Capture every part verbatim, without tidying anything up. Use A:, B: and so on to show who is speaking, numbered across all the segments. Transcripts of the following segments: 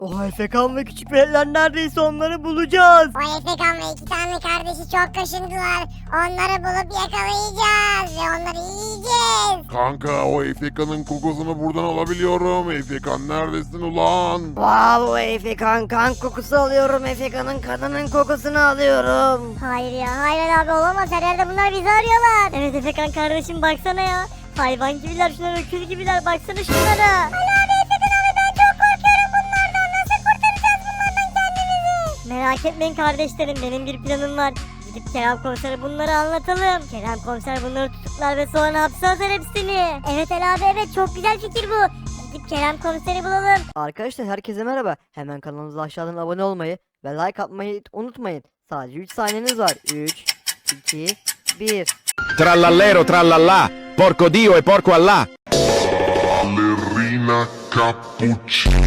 A: O Efekan ve küçük veletler neredeyse onları bulacağız.
B: O Efekan ve iki tane kardeşi çok kaşındılar. Onları bulup yakalayacağız ve onları yiyeceğiz.
C: Kanka o Efeka'nın kokusunu buradan alabiliyorum. Efekan neredesin ulan?
A: Wow Efekan kan kokusu alıyorum. Efekan'ın kanının kokusunu alıyorum.
B: Hayır ya hayır abi olamaz, her yerde bunlar bizi arıyorlar.
D: Evet Efekan kardeşim baksana ya. Hayvan gibiler şunlar, öküz gibiler, baksana şunlara.
B: Ali abi Efekan abi ben çok korkuyorum bunlardan. Nasıl kurtaracağız bunlardan kendimizi?
D: Merak etmeyin kardeşlerim, benim bir planım var. Gidip Kerem komisere bunları anlatalım. Kerem komiser bunları tutuklar ve sonra hapse atar hepsini.
B: Evet Ali abi evet, çok güzel fikir bu. Gidip Kerem komiseri bulalım.
A: Arkadaşlar herkese merhaba. Hemen kanalımıza aşağıdan abone olmayı ve like atmayı unutmayın. Sadece üç saniyeniz var. üç, iki, bir.
E: Trallallero trallallà, porco Dio e porco Allah.
C: Ballerina cappuccina.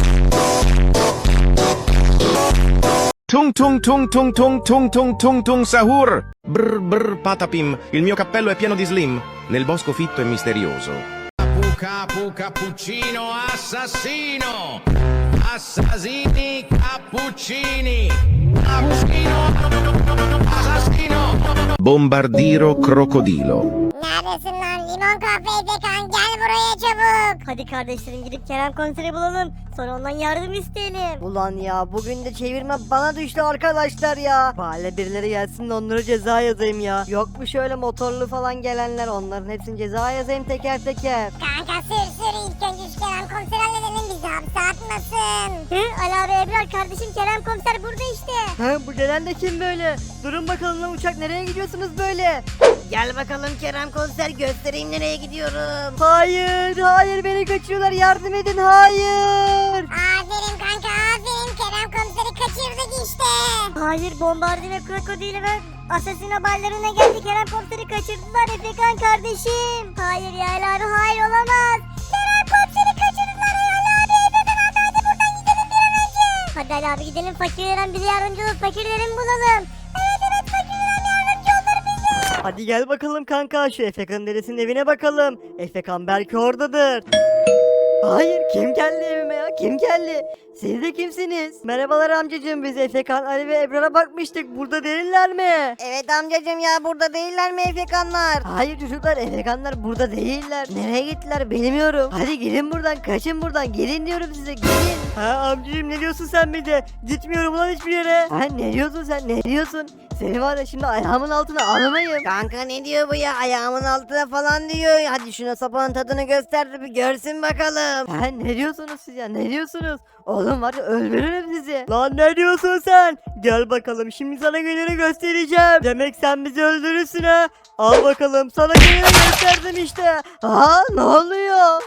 E: Tung tung tung tung tung tung tung tung tung sahur. Brr brr patapim, il mio cappello è pieno di slim, nel bosco fitto e misterioso.
F: Capu capu cappuccino assassino. Assassini cappuccini. Cappuccino assassino.
E: Bombardiro crocodilo.
B: Neredesin lan limon kahve Efekan, gel buraya çabuk.
D: Hadi kardeşlerim gidip Kerem komiseri bulalım. Sonra ondan yardım isteyelim.
A: Ulan ya bugün de çevirme bana düştü arkadaşlar ya. Bari birileri gelsin de onlara ceza yazayım ya. Yok mu şöyle motorlu falan gelenler, onların hepsini ceza yazayım teker teker.
B: Kanka sür sür, ilk önce şu Kerem komiseri halledelim, bizi hapse atmasın.
D: Hı? Ali abi Ebrar kardeşim, Kerem komiser burada işte.
A: Ha bu gelen de kim böyle? Durun bakalım lan, uçak nereye gidiyorsunuz böyle? Gel bakalım Kerem komiser, göstereyim nereye gidiyorum. Hayır hayır, beni kaçırıyorlar, yardım edin, hayır.
B: Aferin kanka aferin, Kerem komiseri kaçırdık işte.
D: Hayır, bombardino krokodili ve asasino ballerine geldi. Kerem komiseri kaçırdılar Efekan kardeşim.
B: Hayır ya Ali abi hayır olamaz. Kerem komiseri kaçırdılar ya Ali abi. Efekan abi hadi buradan gidelim bir an önce.
D: Hadi Ali abi gidelim, fakirlerin bize yardımcı olup fakirlerin bulalım.
B: Evet evet fakirlerin yardımcı olur bize.
A: Hadi gel bakalım kanka, şu Efekan'ın dedesinin evine bakalım. Efekan belki oradadır. Hayır, kim geldi evime ya, kim geldi? Siz de kimsiniz? Merhabalar amcacığım, biz Efekan, Ali ve Ebrar'a bakmıştık, burada değiller mi? Evet amcacığım ya, burada değiller mi Efekanlar? Hayır çocuklar, Efekanlar burada değiller. Nereye gittiler bilmiyorum. Hadi gelin buradan, kaçın buradan, gelin diyorum size, gelin. Ha amcacığım, ne diyorsun sen bize? Gitmiyorum lan hiçbir yere. Ha ne diyorsun sen, ne diyorsun? Seni var ya şimdi ayağımın altına alamayım. Kanka ne diyor bu ya, ayağımın altına falan diyor. Hadi şuna sapağın tadını göster de bir görsün bakalım. Ha ne diyorsunuz siz ya, ne diyorsunuz? Oğlum var ya, öldürürüm sizi. Lan ne diyorsun sen? Gel bakalım, şimdi sana gününü göstereceğim. Demek sen bizi öldürürsün ha. Al bakalım, sana gününü gösterdim işte. Aa ne oluyor?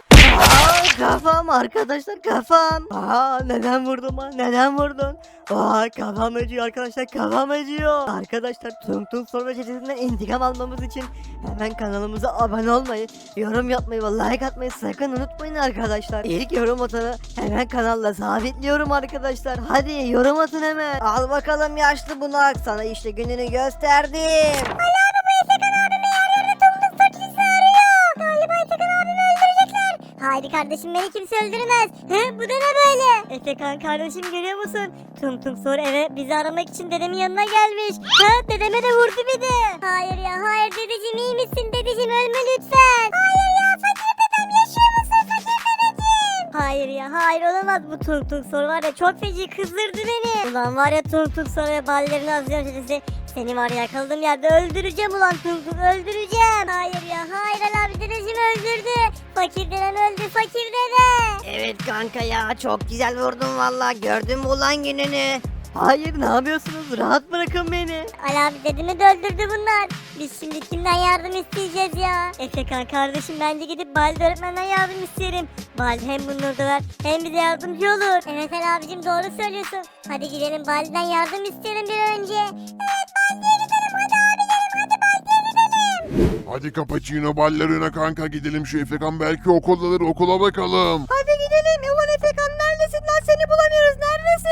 A: Aa kafam arkadaşlar, kafam. Aa neden vurdun ha, neden vurdun? Aa kafam acıyor arkadaşlar, kafam acıyor. Arkadaşlar Tung Tung Sorma Çetesi'nden intikam almamız için hemen kanalımıza abone olmayı, yorum yapmayı ve like atmayı sakın unutmayın arkadaşlar. İlk yorum atanı hemen kanalla sabitliyorum arkadaşlar. Hadi yorum atın hemen. Al bakalım yaşlı bunak, sana işte gününü gösterdim.
D: Haydi kardeşim, beni kimse öldürmez. Hı? Bu da ne böyle? Efekan kardeşim, görüyor musun? Tung Tung Sor eve bizi aramak için dedemin yanına gelmiş. Ha? Dedeme de vurdu bir de.
B: Hayır ya hayır dedeciğim, iyi misin dedeciğim, ölme lütfen. Hayır ya fakir dedem, yaşıyor musun fakir dedeciğim?
D: Hayır ya hayır, olamaz. Bu Tung Tung Sor var ya, çok feci kızdırdı beni. Ulan var ya Tung Tung Sor ve ballerini azıcık dedesi. Seni var ya, yakaladığım yerde öldüreceğim ulan Tung Tung, öldüreceğim.
B: Hayır ya hayır Ali abi, dedeciğim öldürdü. Fakir dedem öldü, fakir dede.
A: Evet kanka ya, çok güzel vurdun valla, gördün mü ulan gününü? Hayır ne yapıyorsunuz, rahat bırakın beni.
D: Ali abi dedemi de öldürdü bunlar. Biz şimdi kimden yardım isteyeceğiz ya? Efekan kardeşim, bence gidip Baldi öğretmenden yardım isteyelim. Baldi hem bunları döver hem bize yardımcı olur.
B: Evet Ali abicim doğru söylüyorsun. Hadi gidelim Baldi'den yardım isteyelim bir an önce. Evet Baldi'ye gidelim, hadi abi gidelim, hadi Baldi'ye gidelim.
C: Hadi cappuccino ballerina kanka, gidelim şu Efekan belki okuldadır, okula bakalım.
A: Hadi gidelim, ulan Efekan neredesin lan, seni bulamıyoruz, neredesin?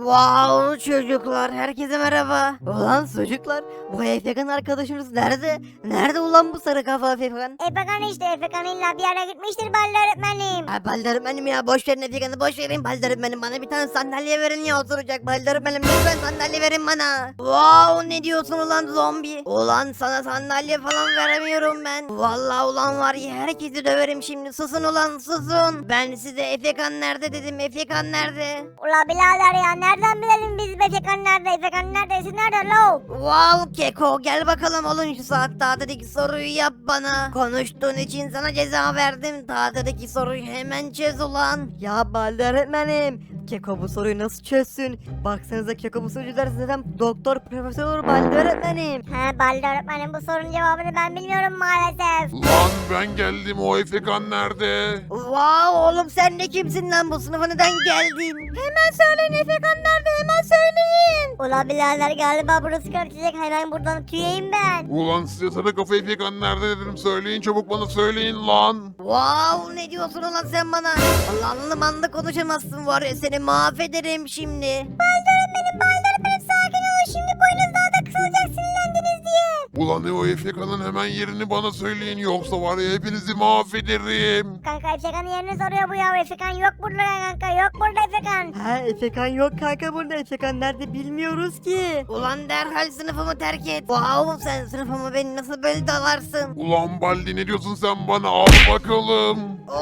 A: Wow çocuklar, herkese merhaba. Ulan çocuklar, bu Efekan arkadaşımız nerede? Nerede ulan bu sarı kafa Efekan?
B: Efekan işte Efekan illa bir yere gitmiştir Baldi öğretmenim.
A: Ha, Baldi öğretmenim ya, boş verin Efekan'ı, boş verin. Baldi öğretmenim, bana bir tane sandalye verin ya, oturacak. Baldi öğretmenim lütfen sandalye verin bana. Wow, ne diyorsun ulan zombi? Ulan sana sandalye falan veremiyorum ben. Vallahi ulan var ya, herkesi döverim şimdi. Susun ulan, susun. Ben size Efekan nerede dedim, Efekan nerede?
B: Ula birader ya nereden bilelim biz Efekan nerede? Efekan neredesin nerede lo?
A: Wow Keko, gel bakalım oğlum, şu saat tahtadaki soruyu yap bana. Konuştuğun için sana ceza verdim. Tahtadaki soruyu hemen çöz ulan. Ya Baldi öğretmenim, Keko bu soruyu nasıl çözsün? Baksanıza Keko bu soruyu çözerse zaten doktor profesör olur Baldi öğretmenim.
B: He Baldi öğretmenim bu sorunun cevabını ben bilmiyorum maalesef.
C: Lan ben geldim, o Efekan nerede?
A: Wow oğlum, sen de kimsin lan, bu sınıfa neden geldin? Hemen söyleyin Efekan nerede, hemen söyleyin.
B: Ula birader galiba burası karışacak hemen buradan tüyeyim ben.
C: Ulan size sarı kafa Efekan nerede dedim, söyleyin çabuk, bana söyleyin lan.
A: Wow, ne diyorsun ulan sen bana? Allah'lı manlı konuşamazsın var ya, seni mahvederim şimdi.
B: Baldi öğretmenim Baldi öğretmenim sakin olun şimdi boynuz daha da kısalacak sinirlendiniz diye.
C: Ulan o Efekan'ın hemen yerini bana söyleyin, yoksa var ya hepinizi mahvederim.
B: Kanka Efekan'ın yerini soruyor bu ya. Efekan yok burada kanka yok burada Efekan.
A: Ha, Efekan yok kanka burada. Efekan nerede bilmiyoruz ki. Ulan derhal sınıfımı terk et. Wow, sen sınıfımı beni nasıl böyle dalarsın?
C: Ulan Baldi ne diyorsun sen bana, al bakalım.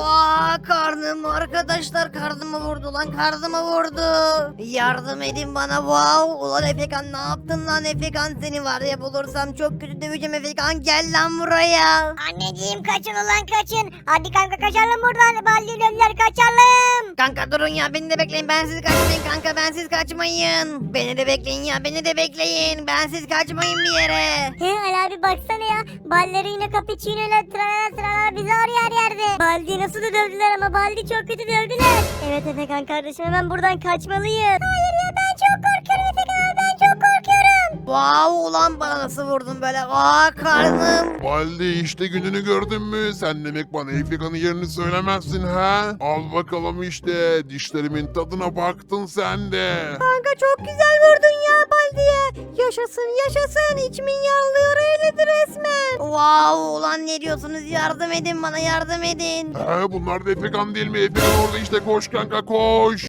A: Aa, karnım arkadaşlar, karnımı vurdu lan, karnımı vurdu. Yardım edin bana. Wow, ulan Efekan ne yaptın lan? Efekan seni var ya, bulursam çok kötü döveceğim. Efekan gel lan buraya.
B: Anneciğim kaçın ulan kaçın. Hadi kanka kaçalım buradan. Baldi dönler kaçalım.
A: Kanka durun ya, beni de bekleyin, ben siz kaçmayın kanka, ben siz kaçmayın. Beni de bekleyin ya, beni de bekleyin, ben siz kaçmayın bir yere.
B: He Ali abi baksana ya. Ballerina cappuccino ile tralala tralala bizi arıyor her yerde. Baldi nasıl da dövdüler ama Baldi çok kötü dövdüler. Evet Efekan kardeşim hemen buradan kaçmalıyız. Hayır ya ben çok korkuyorum Efekan abi ben çok korkuyorum.
A: Wow, ulan bana nasıl vurdun böyle? Aa, karnım.
C: Baldi işte gününü gördün mü? Sen demek bana Efekan'ın yerini söylemezsin ha? Al bakalım işte, dişlerimin tadına baktın sen de.
A: Kanka çok güzel vurdun ya Baldi'ye. Yaşasın yaşasın, içimin yağlıyor eyledi resmen. Wow, ulan ne diyorsunuz, yardım edin bana, yardım edin.
C: He, bunlar da Efekan değil mi? Efekan orada işte, koş kanka koş.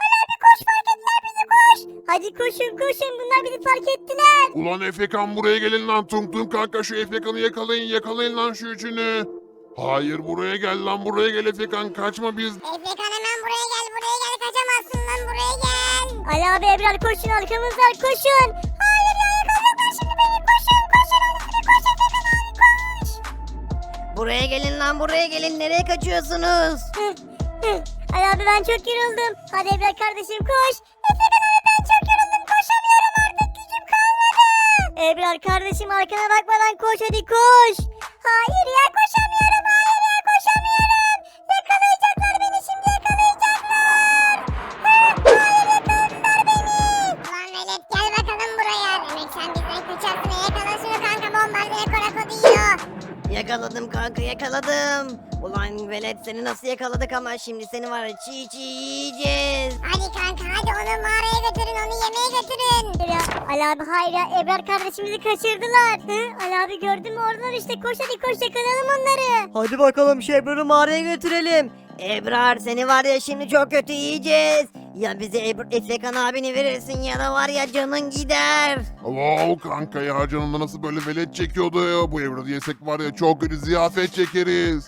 B: Hadi koşun koşun bunlar bizi fark ettiler.
C: Ulan Efekan buraya gelin lan, tung tung kanka, şu Efekan'ı yakalayın, yakalayın lan şu üçünü. Hayır buraya gel lan, buraya gel Efekan, kaçma biz.
B: Efekan hemen buraya gel buraya gel kaçamazsın lan buraya gel. Ali abi Ebrar koşun arkamızdan koşun. Hayır ya yakalayacaklar şimdi beni koşun koşun Ali abi koş Efekan abi koş.
A: Buraya gelin lan, buraya gelin, nereye kaçıyorsunuz?
B: Hıh, hıh. Ali abi ben çok yoruldum. Hadi Ebrar kardeşim koş. Efekan abi ben çok yoruldum koşamıyorum artık gücüm kalmadı. Ebrar kardeşim arkana bakmadan koş hadi koş. Hayır ya koşamıyorum hayır ya koşamıyorum. Yakalayacaklar beni şimdi yakalayacaklar. Hıh, hayır yakaladılar beni. Ulan velet gel bakalım buraya. Demek sen bizden kaçarsın. Yakala şunu kanka bombardıya korakodu yiyor.
A: Yakaladım kanka, yakaladım. Ulan velet, seni nasıl yakaladık ama şimdi seni var ya çiğ çiğ yiyeceğiz.
B: Hadi kanka hadi onu mağaraya götürün onu yemeğe götürün. Ya, Ali abi hayır ya Ebrar kardeşimizi kaçırdılar. Hı? Ali abi gördün mü oradan işte koş hadi koş yakalayalım onları.
A: Hadi bakalım şu Ebrar'ı mağaraya götürelim. Ebrar, seni var ya şimdi çok kötü yiyeceğiz. Ya bize Ebr Efekan abini verirsin ya da var ya canın gider.
C: Wow kanka ya, canımda nasıl böyle velet çekiyordu ya. Bu evradı yesek var ya çok kötü ziyafet çekeriz.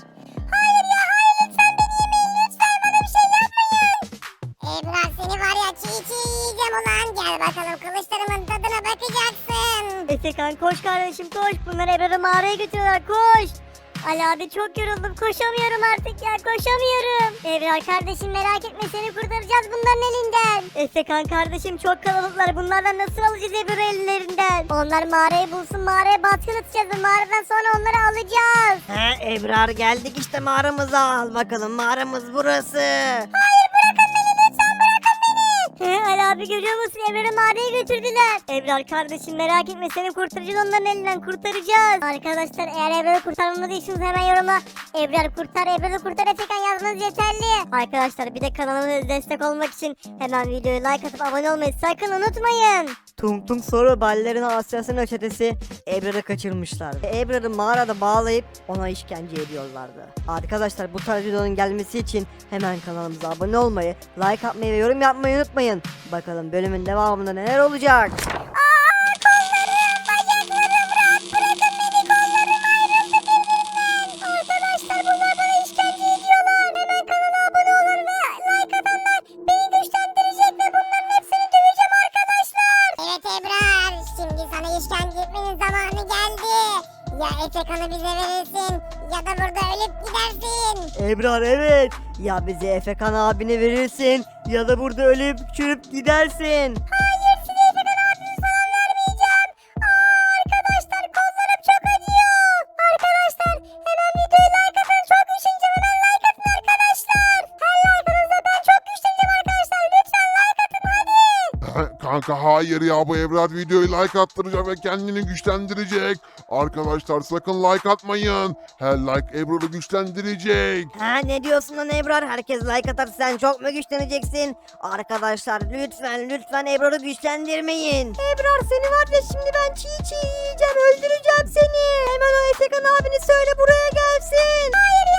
B: Ebrar seni var ya çiğ çiğ yiyeceğim ulan. Gel bakalım kılıçlarımın tadına bakacaksın. Efekan koş kardeşim koş. Bunları Ebrar'ı mağaraya götürüyorlar koş. Ali abi çok yoruldum koşamıyorum artık ya koşamıyorum. Ebrar kardeşim merak etme seni kurtaracağız bunların elinden. Efekan kardeşim çok kalabalıklar bunlardan nasıl alacağız Ebrar'ı ellerinden? Onlar mağarayı bulsun mağaraya baskın atacağız ve mağaradan sonra onları alacağız.
A: He Ebrar, geldik işte mağaramıza, al bakalım mağaramız burası.
B: He, Ali abi görüyor musun? Ebrar'ı mağaraya götürdüler. Ebrar kardeşim merak etme seni kurtaracağız onların elinden kurtaracağız. Arkadaşlar eğer Ebrar'ı kurtarmamı diyorsunuz hemen yoruma Ebrar kurtar Ebrar'ı kurtar Efekan yazmanız yeterli. Arkadaşlar bir de kanalımıza destek olmak için hemen videoyu like atıp abone olmayı sakın unutmayın.
A: Tung Tung Soru ballerina Asya'sının çetesi Ebrar'ı kaçırmışlardı. Ebrar'ı mağarada bağlayıp ona işkence ediyorlardı. Arkadaşlar bu tarz videonun gelmesi için hemen kanalımıza abone olmayı, like atmayı ve yorum yapmayı unutmayın. Bakalım bölümün devamında neler olacak?
B: Arkadaşlar bunlar bana işkence ediyorlar. Hemen kanala abone olan ve like atanlar beni güçlendirecek ve bunların hepsini döveceğim arkadaşlar. Evet Ebrar, şimdi sana işkence etmenin zamanı geldi. Ya Efekan'ı bize verirsin ya da burada ölüp gidersin.
A: Ebrar evet. Ya bize Efekan abini verirsin ya da burada ölüp çürüp gidersin.
B: Hayır size Efekan abimi falan vermeyeceğim. Aa, arkadaşlar kollarım çok acıyor. Arkadaşlar hemen videoyu like atın. Çok düşüneceğim hemen like atın arkadaşlar. Her like'ınızda ben çok güçleneceğim arkadaşlar. Lütfen like atın hadi.
C: Kanka hayır ya, bu Ebrar videoyu like attıracak ve kendini güçlendirecek. Arkadaşlar sakın like atmayın. Her like Ebrar'ı güçlendirecek.
A: Ha ne diyorsun lan Ebrar? Herkes like atar sen çok mu güçleneceksin? Arkadaşlar lütfen lütfen Ebrar'ı güçlendirmeyin. Ebrar seni var ya şimdi ben çiğ çiğ yiyeceğim öldüreceğim seni. Hemen o Efekan abini söyle buraya gelsin.
B: Hayır